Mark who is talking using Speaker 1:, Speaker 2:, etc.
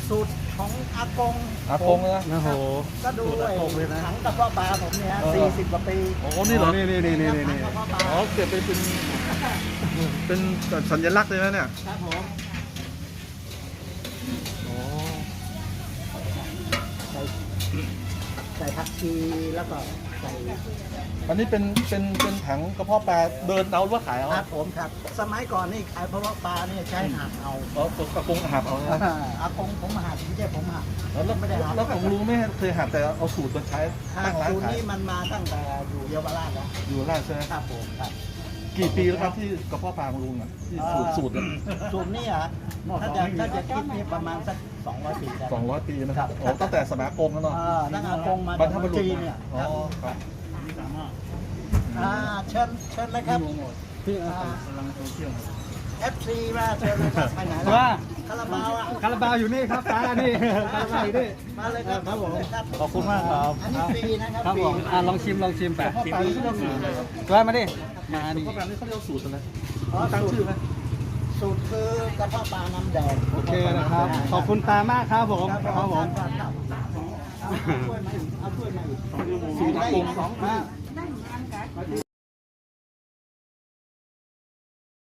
Speaker 1: สูตรของอากง
Speaker 2: อากงนะ
Speaker 3: โอ้โห
Speaker 1: ก็ดูไอ้ถังกระเพาะปลาผมเนี่ย40 กว่าปี
Speaker 2: โอ้นี่เหรอ
Speaker 3: นี่
Speaker 1: ถังกระเพาะปลา
Speaker 2: อ๋อเก็บไปเป็นสัญลักษณ์เลยนะเนี่ย
Speaker 1: ครับผม
Speaker 2: อ๋อ
Speaker 1: ใส่ผักชีแล้วก็ใส่
Speaker 2: อันนี้เป็นถังกระเพาะปลาเดินเอาหรือว่าขายเอา
Speaker 1: ครับผมครับ สมัยก่อนนี่ขายเพราะว่าปลาเนี่ยใช้หักเอา
Speaker 2: อ๋อกระกงหับเอานะ
Speaker 1: อากงผมหักไม่ใช่ผมหัก
Speaker 2: แล้วไม่ได้หับแล้วผมรู้ไม่เคยหับแต่เอาสูตรมาใช้ตั้งร้าน
Speaker 1: สูตร
Speaker 2: ขาย
Speaker 1: นี้มันมาตั้งแต่อยู่เยาวราชแล้ว
Speaker 2: อยู่ร้านใช่ไหม
Speaker 1: ครับผมครับ
Speaker 2: กี่ปีแล้วครับที่กระเพาะปลาของลุงอ่ะที่สูตรเนี่ย
Speaker 1: สูตรนี้อ่ะถ้าจะคิดนี่ประมาณสัก200 ปีได้
Speaker 2: 200 ปีนะครับโอ้ตั้งแต่สมัยอากงแล้วเนาะ
Speaker 1: ตั้งอากงมา
Speaker 2: บรรพบุรุษ
Speaker 1: จีนเนี่ย
Speaker 2: อ๋อครับ
Speaker 1: เชิญเลยครับ
Speaker 3: พี่
Speaker 1: FC มาเชิญเลยครับไปไหนล่ะ
Speaker 3: ว่า
Speaker 1: คาราบาวอ่ะ
Speaker 3: คาราบาวอยู่นี่ครับตานี่คาราบาวอยู่นี่
Speaker 1: มาเลยครับ
Speaker 3: ครับผม
Speaker 1: ครับ
Speaker 3: ขอบคุณมากครับ
Speaker 1: อันนี้ฟรีนะครับ
Speaker 3: ครับ
Speaker 1: ฟรี
Speaker 3: ผมลองชิมแปะ
Speaker 2: กระเพาะปลาที่เขาเรียกสูตรอะไรครับ
Speaker 3: ว่ามาดิมานี่
Speaker 2: กระเพาะปลาที่เขาเรียกสูตรอะไร
Speaker 1: อ๋อ
Speaker 2: ตั้ง
Speaker 1: สูต
Speaker 2: ชื่อ
Speaker 1: ร
Speaker 2: ไหม
Speaker 1: สูตรคือกระเพาะปลาน้ำแดง
Speaker 3: โอเคนะครับ ขอบคุณตามากครับผมครับผม
Speaker 1: ครับเอาถ้วยมาอีกเอาถ้วยมาอีก
Speaker 2: สูตรอากง
Speaker 1: สอง